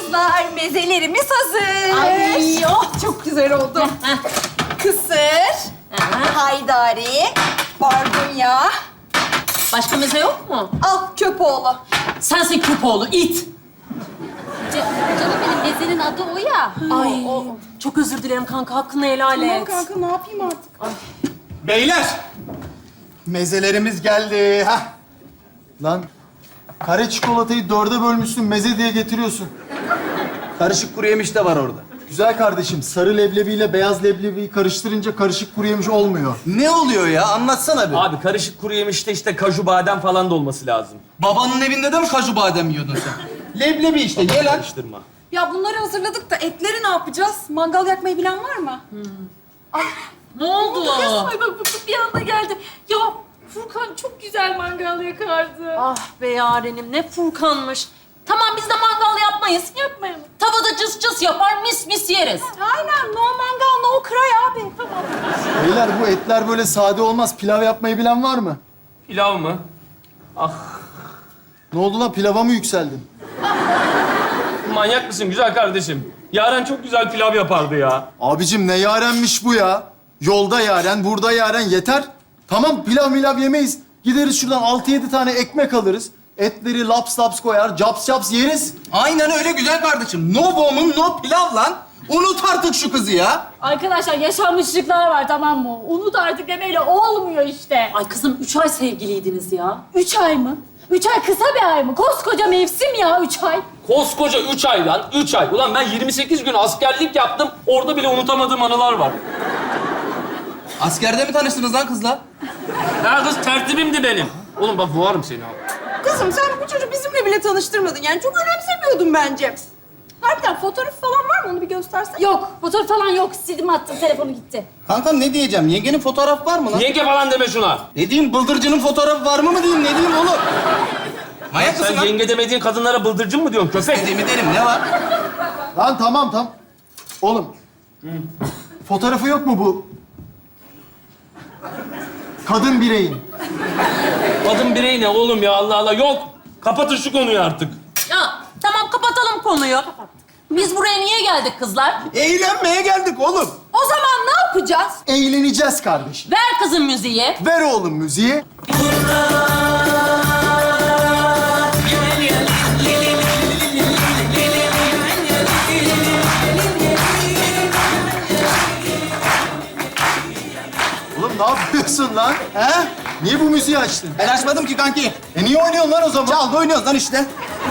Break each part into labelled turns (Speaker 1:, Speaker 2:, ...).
Speaker 1: kızlar, mezelerimiz hazır.
Speaker 2: Ay, oh, çok güzel oldu.
Speaker 1: Kısır, haydari, barbunya.
Speaker 2: Başka meze yok mu?
Speaker 1: Al köpoğlu.
Speaker 2: Sensin Küpoğlu, it.
Speaker 3: Canım benim mezenin adı o ya.
Speaker 2: Ay, çok özür dilerim kanka, hakkını helal et.
Speaker 1: Kanka ne yapayım artık?
Speaker 4: Beyler! Mezelerimiz geldi. Hah. Lan kare çikolatayı dörde bölmüşsün, meze diye getiriyorsun.
Speaker 5: Karışık kuru yemiş de var orada.
Speaker 4: Güzel kardeşim, sarı leblebiyle beyaz leblebiyi karıştırınca karışık kuru yemiş olmuyor.
Speaker 5: Ne oluyor ya? Anlatsana bir.
Speaker 6: Abi karışık kuru yemişte işte kaju badem falan da olması lazım.
Speaker 5: Babanın evinde de mi kaju badem yiyordun sen? Leblebi işte, ye lan.
Speaker 6: Karıştırma.
Speaker 1: Ya bunları hazırladık da etleri ne yapacağız? Mangal yakmayı bilen var mı?
Speaker 2: Ne oldu?
Speaker 3: Ay bak bu bir anda geldi. Ya Furkan çok güzel mangal yakardı.
Speaker 2: Ah be yarenim, ne Furkanmış. Tamam, biz de mangal yapmayız.
Speaker 3: Yapmayalım.
Speaker 2: Tavada cıs cıs yapar, mis mis yeriz.
Speaker 1: Aynen, no mangal, no cry abi. Tamam.
Speaker 4: Beyler bu etler böyle sade olmaz. Pilav yapmayı bilen var mı?
Speaker 6: Pilav mı?
Speaker 4: Ne oldu lan, pilava mı yükseldin?
Speaker 6: Manyak mısın güzel kardeşim? Yaren çok güzel pilav yapardı ya.
Speaker 4: Abicim ne yarenmiş bu ya? Yolda yaren, burada yaren, yeter. Tamam, pilav milav yemeyiz. Gideriz şuradan 6-7 tane ekmek alırız. Etleri laps laps koyar, caps caps yeriz.
Speaker 5: Aynen öyle güzel kardeşim. No woman, no pilav lan. Unut artık şu kızı ya.
Speaker 3: Arkadaşlar yaşanmışlıklar var tamam mı? Unut artık demeyle olmuyor işte.
Speaker 2: Ay kızım, 3 ay sevgiliydiniz ya.
Speaker 3: 3 ay mı? 3 ay kısa bir ay mı? Koskoca mevsim ya 3 ay.
Speaker 6: Koskoca 3 ay lan, 3 ay. Ulan ben 28 gün askerlik yaptım. Orada bile unutamadığım anılar var.
Speaker 5: Askerde mi tanıştınız lan kızla?
Speaker 6: Ya kız tertibimdi benim. Oğlum bak boğarım seni abi.
Speaker 1: Kızım sen bu çocuğu bizimle bile tanıştırmadın. Yani çok önemsemiyordun bence. Harbiden fotoğraf falan var mı? Onu bir göstersen.
Speaker 3: Yok fotoğraf falan yok. Sildim attım telefonu gitti.
Speaker 5: Kankam ne diyeceğim? Yengenin fotoğrafı var mı lan?
Speaker 6: Yenge falan deme şuna.
Speaker 5: Ne diyeyim? Bıldırcının fotoğrafı var mı diyeyim? Ne diyeyim oğlum? Manyak mısın
Speaker 6: Sen
Speaker 5: lan?
Speaker 6: yenge demediğin kadınlara bıldırcın mı diyorsun köpek?
Speaker 5: Dediğimi derim. Ne var?
Speaker 4: Lan tamam. Oğlum, fotoğrafı yok mu bu? Kadın bireyin.
Speaker 6: Kadın birey ne oğlum ya Allah Allah. Yok. Kapatın şu konuyu artık.
Speaker 2: Ya tamam, kapatalım konuyu. Biz buraya niye geldik kızlar?
Speaker 5: Eğlenmeye geldik oğlum.
Speaker 1: O zaman ne yapacağız?
Speaker 4: Eğleneceğiz kardeşim.
Speaker 2: Ver kızım müziği.
Speaker 4: Ver oğlum müziği. Oğlum ne yapıyorsun lan? He? Niye bu müziği açtın?
Speaker 5: Ben açmadım ki kanki.
Speaker 4: Niye oynuyorsun lan o zaman?
Speaker 5: Çaldı oynuyoruz lan işte.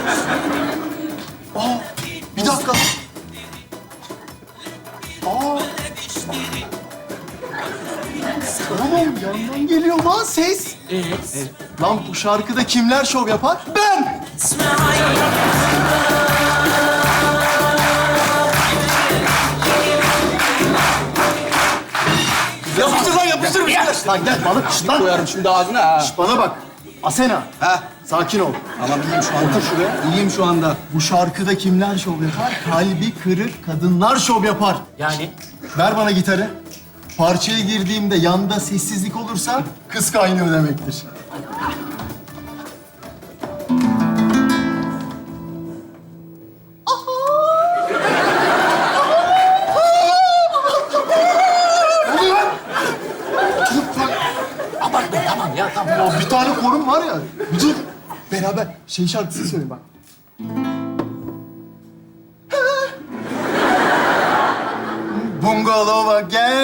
Speaker 4: Bir dakika. Oğlum yandan geliyor lan ses. Lan bu şarkıda kimler şov yapar? Ben!
Speaker 5: Yapıştır lan yapıştır bir şeyler.
Speaker 4: Lan gel balık şişt lan.
Speaker 5: Koyarım şimdi ağzına ha.
Speaker 4: Şişt, bana bak. Asena.
Speaker 5: Ha.
Speaker 4: Sakin ol.
Speaker 5: Tamam iyiyim şu anda.
Speaker 4: Otur şuraya.
Speaker 5: İyiyim şu anda.
Speaker 4: Bu şarkıda kimler şov yapar? Kalbi kırık kadınlar şov yapar.
Speaker 6: Yani?
Speaker 4: Ver bana gitarı. Parçaya girdiğimde yanda sessizlik olursa kız kaynıyor demektir. Abartma tamam ya tamam. Ya bir tane korum var ya. Bir dur. Beraber şey şarkısı söyle bak. Bungalova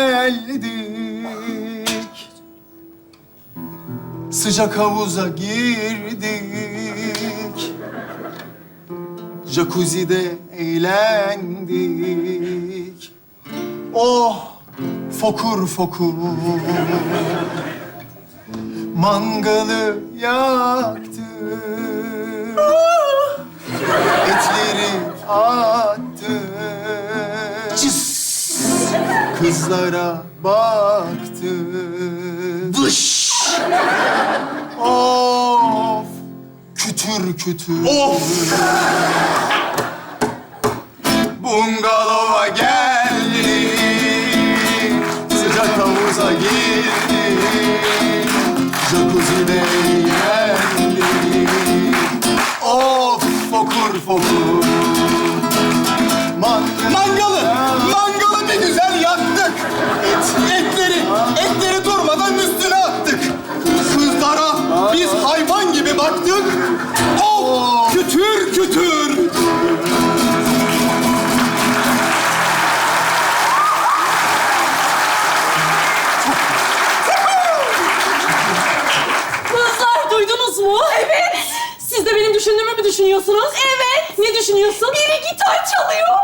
Speaker 4: geldik. Sıcak havuza girdik. Jacuzzi'de eğlendik. Oh, fokur fokur. Mangalı yaktık. Etleri attık. Cıs. Kızlara baktık. Dış. Of. Kütür kütür. Of. Bungalova geldik. Sıcak havuza girdik. Jacuzzi'de eğlendik. Of fokur fokur.
Speaker 2: düşünüyorsun?
Speaker 1: Biri gitar çalıyor.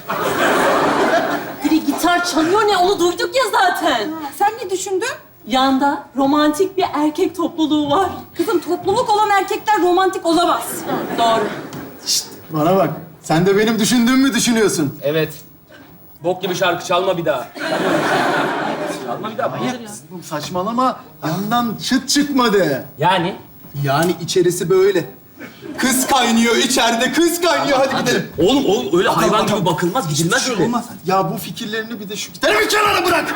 Speaker 2: Biri gitar çalıyor ne? Onu duyduk ya zaten.
Speaker 1: Sen ne düşündün?
Speaker 2: Yanda romantik bir erkek topluluğu var.
Speaker 1: Kızım topluluk olan erkekler romantik olamaz.
Speaker 2: Doğru.
Speaker 4: Bana bak. Sen de benim düşündüğümü düşünüyorsun.
Speaker 6: Evet. Bok gibi şarkı çalma bir daha. Çalma bir daha. Hayır ya.
Speaker 4: Oğlum saçmalama. Yandan çıt çıkmadı.
Speaker 6: Yani?
Speaker 5: Yani içerisi böyle. Kız kaynıyor içeride, kız kaynıyor. Hadi gidelim.
Speaker 6: Oğlum o öyle hayvan gibi bakılmaz, gidilmez öyle.
Speaker 4: Olmaz. Ya bu fikirlerini bir de şu gitarı bir kenara bırak.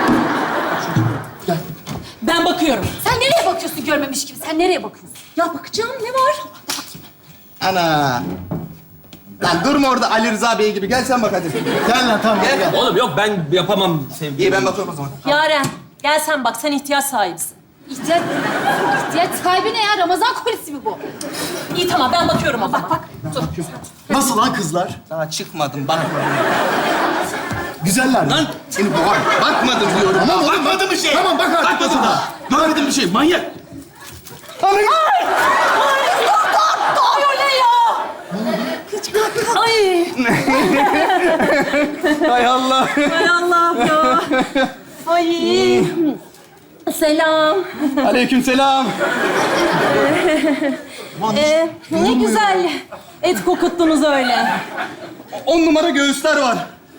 Speaker 2: Ben bakıyorum.
Speaker 3: Sen nereye bakıyorsun görmemiş gibi? Sen nereye bakıyorsun?
Speaker 2: Ya bakacağım ne var?
Speaker 5: Ana. Lan durma orada Ali Rıza Bey gibi. Gel sen bak hadi.
Speaker 4: Gel lan tamam gel.
Speaker 6: Oğlum yok ben yapamam sevgilim.
Speaker 5: İyi ben bakıyorum o zaman.
Speaker 2: Yaren gel sen bak sen ihtiyaç sahibisin.
Speaker 3: İhtiyaç sahibi ne ya? Ramazan kolisi mi bu?
Speaker 2: İyi tamam ben bakıyorum o zaman. Bak.
Speaker 4: Nasıl lan kızlar?
Speaker 5: Daha çıkmadım bak.
Speaker 4: Güzeller mi?
Speaker 5: Lan seni boğar. Bakmadım diyorum.
Speaker 4: Tamam oğlum,
Speaker 5: bakmadım bir şey.
Speaker 4: Tamam, bak artık
Speaker 5: Bakmadım
Speaker 4: kızına.
Speaker 5: daha. Görmedim bir şey. Manyak.
Speaker 2: Oluyor ne ya? Ay.
Speaker 5: Hay Allah.
Speaker 2: Hay Allah ya. Ay. Selam.
Speaker 5: Aleykümselam.
Speaker 2: Ne güzel et kokuttunuz öyle.
Speaker 5: 10 numara göğüsler var.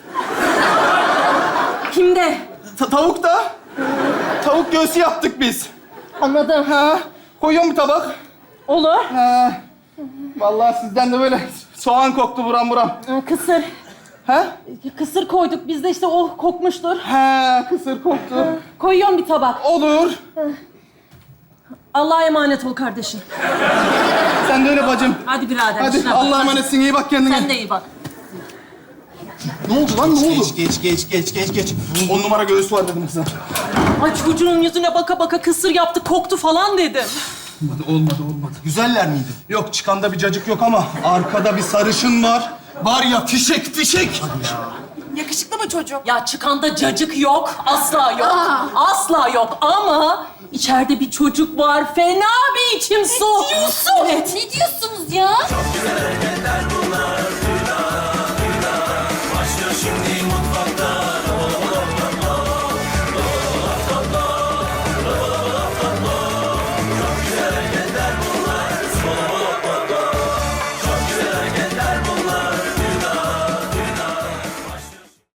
Speaker 2: Kimde?
Speaker 5: Tavuk da. Tavuk göğsü yaptık biz.
Speaker 2: Anladım.
Speaker 5: Ha. Koyuyorum bir tabak.
Speaker 2: Olur.
Speaker 5: Ha. Vallahi sizden de böyle soğan koktu buram buram.
Speaker 2: Kısır.
Speaker 5: Ha?
Speaker 2: Kısır koyduk. Biz de işte o kokmuştur.
Speaker 5: Ha, kısır koktu.
Speaker 2: Koyuyorum bir tabak.
Speaker 5: Olur.
Speaker 2: Allah'a emanet ol kardeşim.
Speaker 5: Sen de öyle bacım.
Speaker 2: Hadi birader.
Speaker 5: Hadi
Speaker 2: işine bak.
Speaker 5: Allah'a emanetsin. İyi bak kendine.
Speaker 2: Sen de iyi bak.
Speaker 4: Ne oldu lan ne oldu?
Speaker 5: Geç. 10 numara göğüs var dedim kıza.
Speaker 2: Ay çocuğun yüzüne baka baka kısır yaptı, koktu falan dedim.
Speaker 5: Olmadı.
Speaker 4: Güzeller miydi?
Speaker 5: Yok çıkanda bir cacık yok ama arkada bir sarışın var. Var ya fişek.
Speaker 1: Yakışıklı mı çocuk?
Speaker 2: Ya çıkanda cacık yok, asla yok. Asla yok ama içeride bir çocuk var. Fena bir içim su.
Speaker 3: Ne diyorsun?
Speaker 2: Evet.
Speaker 3: Ne diyorsunuz ya?